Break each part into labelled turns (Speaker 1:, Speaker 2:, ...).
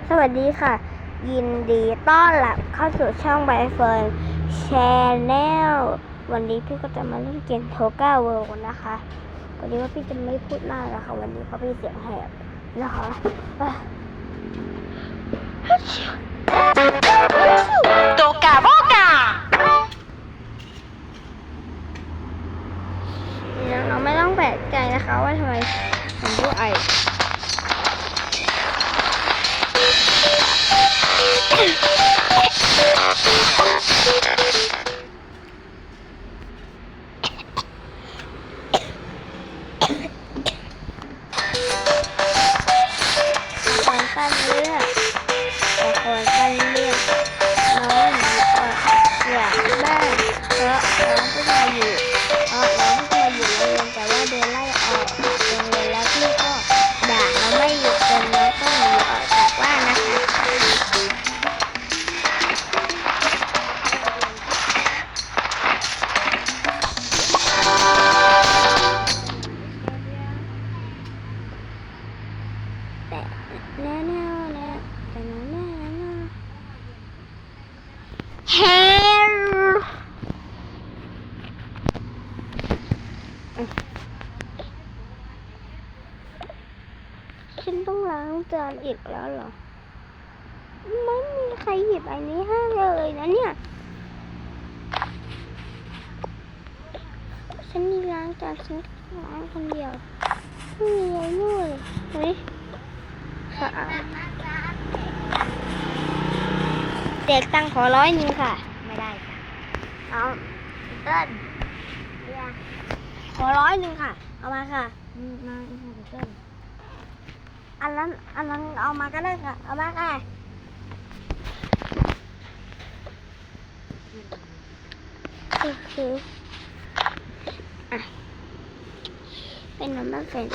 Speaker 1: สวัสดีค่ะยินดีต้อนรับเข้าสู่ช่องใบเฟิร์นแชนแนลวันนี้พี่ก็จะมาเล่นเกมโทก้าเวิลด์นะคะวันนี้ว่าพี่จะไม่พูดมากแล้วค่ะวันนี้เพราะพี่เสียงแหบนะคะ
Speaker 2: โตกาโบกา
Speaker 1: น้องไม่ต้องแปลกใจนะคะว่าทำไมผมพูดไอการเลือกแต่คนการเลือกน้องหนูอยากบ้านเพราะน้องเพิ่งมาอยู่โรงเรียนแต่ว่าโดนไล่ออกโรงเรียนแล้วพี่ก็ด่าน้องไม่หยุดจนน้องต้องหนีออกจากบ้านนะคะแต่แน่เฮลฉันต้องล้างจานอีกแล้วเหรอไม่มีใครหยิบอันนี้ให้เลยนะเนี่ยฉันมีล้างจานฉันล้างคนเดียวไม่มีอะไรเลยเฮ้ยค่ะเด็กตังขอ100ค่ะไม่ได้ค่ะเอาเติ้ลขอ100ค่ะเอามาค่ะมาเติ้ลอันนั้นเอามาก็ได้ค่ะเอามาค่ะโอเคเป็นน้ำมันเป็น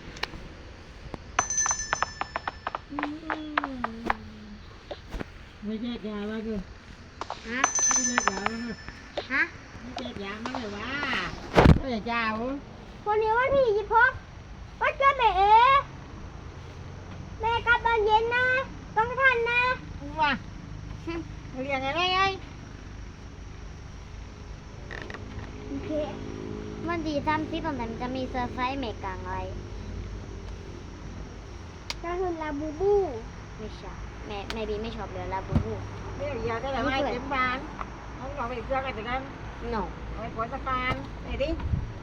Speaker 3: ไม่แจกยาแล้วคือ
Speaker 1: ฮะ
Speaker 3: ไม่แจกยาแล้วคือ
Speaker 1: ฮะ
Speaker 3: ไม่แจกยามาเลยว่าไม่แจกยาเหรอ
Speaker 1: วันนี้วันที่26วันเกิดแม่แม่กลับตอนเย็นนะต้องทันนะ
Speaker 3: ว่าเรียนอะไรไง
Speaker 1: โอเคมันดี30ตรงนั้นจะมีเซอร์ไพรส์เมกางอะไรก็คือลาบูบูไม่ใช่แม่บีไม่ชอบเลยลาบูบู
Speaker 3: เรียกยาได้หรือไม่เต็มบ้านเขาบอกไปเพื่อกันแต่กัน
Speaker 1: no
Speaker 3: ไปปวดสะพานไหนดิ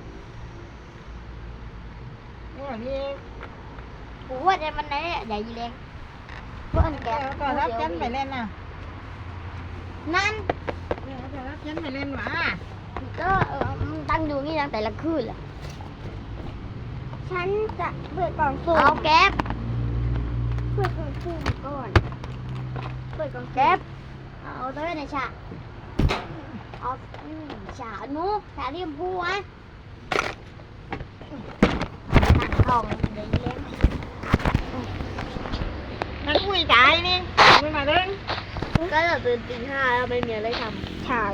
Speaker 3: นี่อย่างนี้
Speaker 1: กูว่าจะมันไหนใหญ่ยี่เล้งเพื่อนแก
Speaker 3: ก็รับฉันไปเล่นน่ะ
Speaker 1: นั่น
Speaker 3: ก็รับฉันไปเล่นหว่า
Speaker 1: ก็มันตั้งอยู่นี่ตั้งแต่ละคืนแหละฉันจะเปิดกล่องสุ่มเอาแก๊ปเปิดกล่องสุ่มก่อนเปิดกล่องแก๊ปเอาตัวในฉากเอาฉากนู้ฉากที่ชมพูอ่ะตัดทองเดี๋ยวเล่น
Speaker 3: นั่นคุยใจนี่ไม่มาเล่น
Speaker 1: ก็เราตื่นตี 5แล้วไม่มีอะไรทำใช่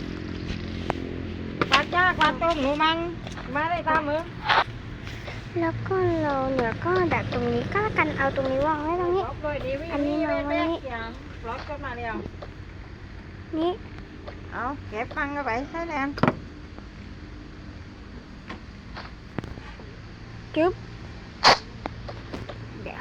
Speaker 3: ปลาจ้ากปลาต้มหนูมังมาได้ตามมือ
Speaker 1: แล้วก็เราเนี่ยก็ดักตรงนี้ก็กันเอาตรงนี้วางไว้ตรงนี้
Speaker 3: อันนี้วางไว้นี่ล็อกก็มาเดียว
Speaker 1: นี่
Speaker 3: เอาเก็บฟังก็ไปใช่แล้ว
Speaker 1: จึ๊บเดี๋ยว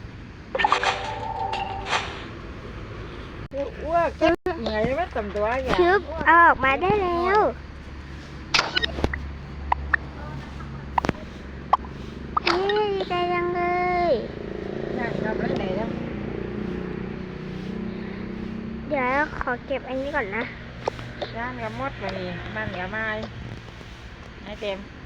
Speaker 3: อ้วกจึ๊บเหนื่อยไม่ต่ำตัวอย่าง
Speaker 1: จึ๊บเอาออกมาได้แล้วนี่ดีใจจังเลย
Speaker 3: นั่งทำอะไรไหนแล้ว
Speaker 1: เดี๋ยวขอเก็บอันนี้ก่อนนะ
Speaker 3: ย่างกับมดมานี่มันกับไม้ไอ้เต็ม